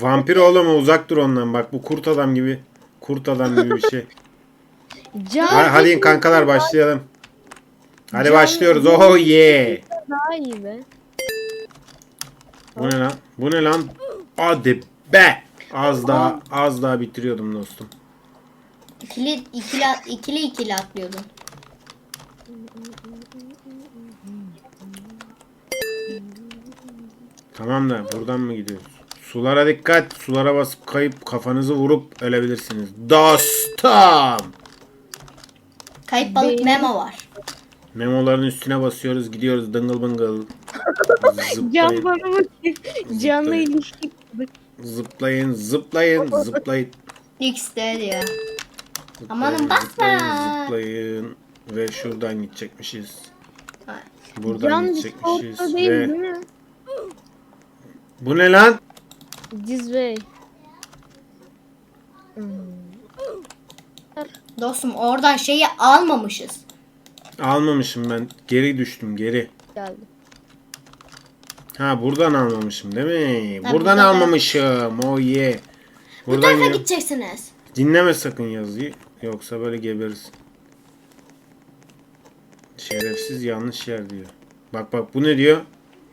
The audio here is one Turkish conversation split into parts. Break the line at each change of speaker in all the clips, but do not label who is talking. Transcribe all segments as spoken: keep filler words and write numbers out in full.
Vampir oğlum uzak dur ondan. Bak bu kurt adam gibi. Kurt adam gibi bir şey.
Can
Hadi, hadi kankalar başlayalım. Hadi
Can-
başlıyoruz. Oh yeah.
daha iyi be.
Bu ne lan? Bu ne lan? Hadi be. Az daha az daha bitiriyordum dostum.
İkili ikili ikili ikili atlıyordun.
Tamam da buradan mı gidiyoruz? Sulara dikkat. Sulara basıp kayıp kafanızı vurup ölebilirsiniz. Dostum.
Kayıp balık
Benim-
Memo var.
Memoların üstüne basıyoruz. Gidiyoruz dıngıl bıngıl.
Can
Zıplayın.
bana bakıyor. Canla
Zıplayın.
ilişki kurduk.
Zıplayın. Zıplayın. Zıplayın.
X de diyor.
Zıplayın,
Amanın basma.
Zıplayın. Zıplayın. Ve şuradan gidecekmişiz.
Ha.
Buradan
Can
gidecekmişiz.
Discord'da değil
Ve...
değil mi?
Bu ne lan?
Dizway.
Dostum oradan şeyi almamışız.
Almamışım ben. Geri düştüm. Geri.
Geldi.
Ha buradan almamışım değil mi?
Ha,
buradan
buradan
almamışım. Oh yeah.
Bu
Buradan
tarafa
ya-
gideceksiniz.
Dinleme sakın yazıyı. Yoksa böyle geberirsin. Şerefsiz yanlış yer diyor. Bak bak bu ne diyor?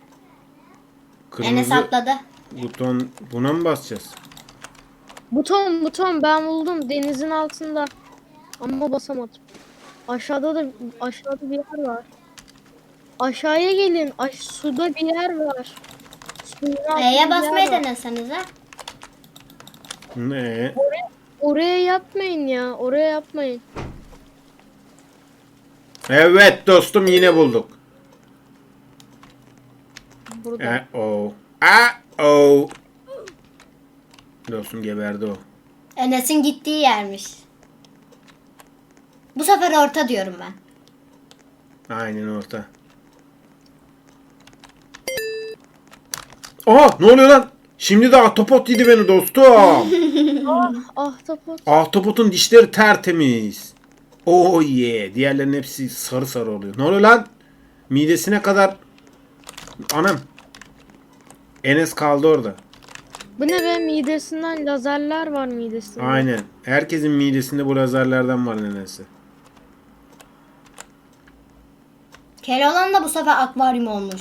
Enes
Kırmızı
atladı.
buton buna mı basacağız?
Buton buton ben buldum denizin altında. Ama basamadım. Aşağıda da aşağıda bir yer var. Aşağıya gelin. Aş suda bir yer var. Suyun altında
E'ye
bir
basmayı
yer var.
denesenize.
Ne?
Oraya yapmayın ya. Oraya yapmayın.
Evet dostum yine bulduk.
Burada.
E o. A o. Dostum geberdi o.
Enes'in gittiği yermiş. Bu sefer orta diyorum ben.
Aynen orta. Aha ne oluyor lan? Şimdi de ahtapot yedi beni dostum.
Ahtapot.
Ahtapotun dişleri tertemiz. Oh yeah. Diğerlerinin hepsi sarı sarı oluyor. Ne oluyor lan? Midesine kadar. Anam. Enes kaldı orada.
Bu ne be, midesinden lazerler var midesinde.
Aynen. Herkesin midesinde bu lazerlerden var nenesi.
Keloğlan da bu sefer akvaryum olmuş.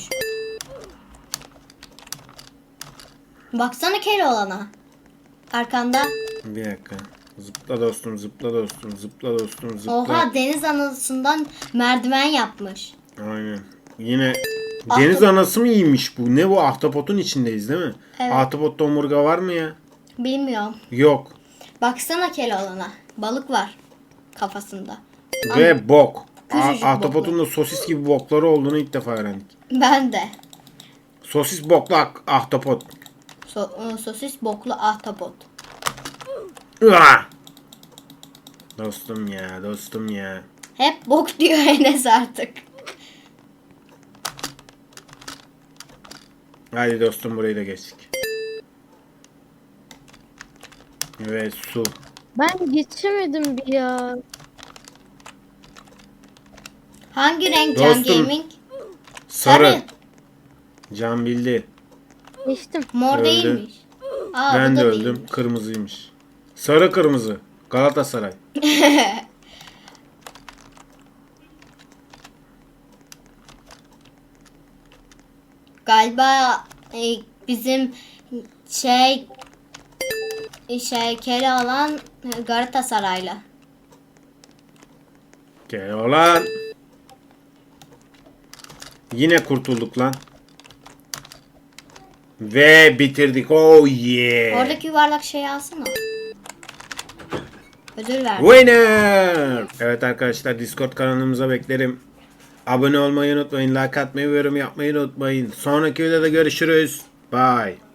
Baksana Keloğlan'a. Arkanda.
Bir dakika. Zıpla dostum, zıpla dostum, zıpla dostum, zıpla.
Oha, deniz anasından merdiven yapmış.
Aynen. Yine
Ahtap-
deniz anası mı iyiymiş bu? Ne bu? Ahtapotun içindeyiz değil mi?
Evet.
Ahtapotta omurga var mı ya?
Bilmiyorum.
Yok.
Baksana Keloğlan'a. Balık var kafasında.
Ve bok.
Küçücük
A- Ahtapotun da sosis gibi bokları olduğunu ilk defa öğrendik.
Ben de.
Sosis boklu ak- ahtapot.
So- ıı, sosis boklu ahtapot.
Üah! Dostum ya, dostum ya.
Hep bok diyor Enes artık.
Hadi dostum burayı da geçtik. Evet su.
Ben geçemedim bir ya.
Hangi renk Can
Dostum.
Gaming?
Sarı.
Sarı.
Can bildi.
Geçtim.
Mor
Öldü.
değilmiş. Aa,
Ben
bu
de
da
öldüm.
değilmiş.
Kırmızıymış. Sarı kırmızı. Galatasaray.
Galiba e, bizim şey şey Keloğlan e, Galatasaraylı.
Gel olan. Yine kurtulduk lan. Ve bitirdik. Oh yeah.
Oradaki yuvarlak şeyi alsana. Ödül ver.
Winner. Evet arkadaşlar, Discord kanalımıza beklerim. Abone olmayı unutmayın. Like atmayı ve yorum yapmayı unutmayın. Sonraki videoda görüşürüz. Bye.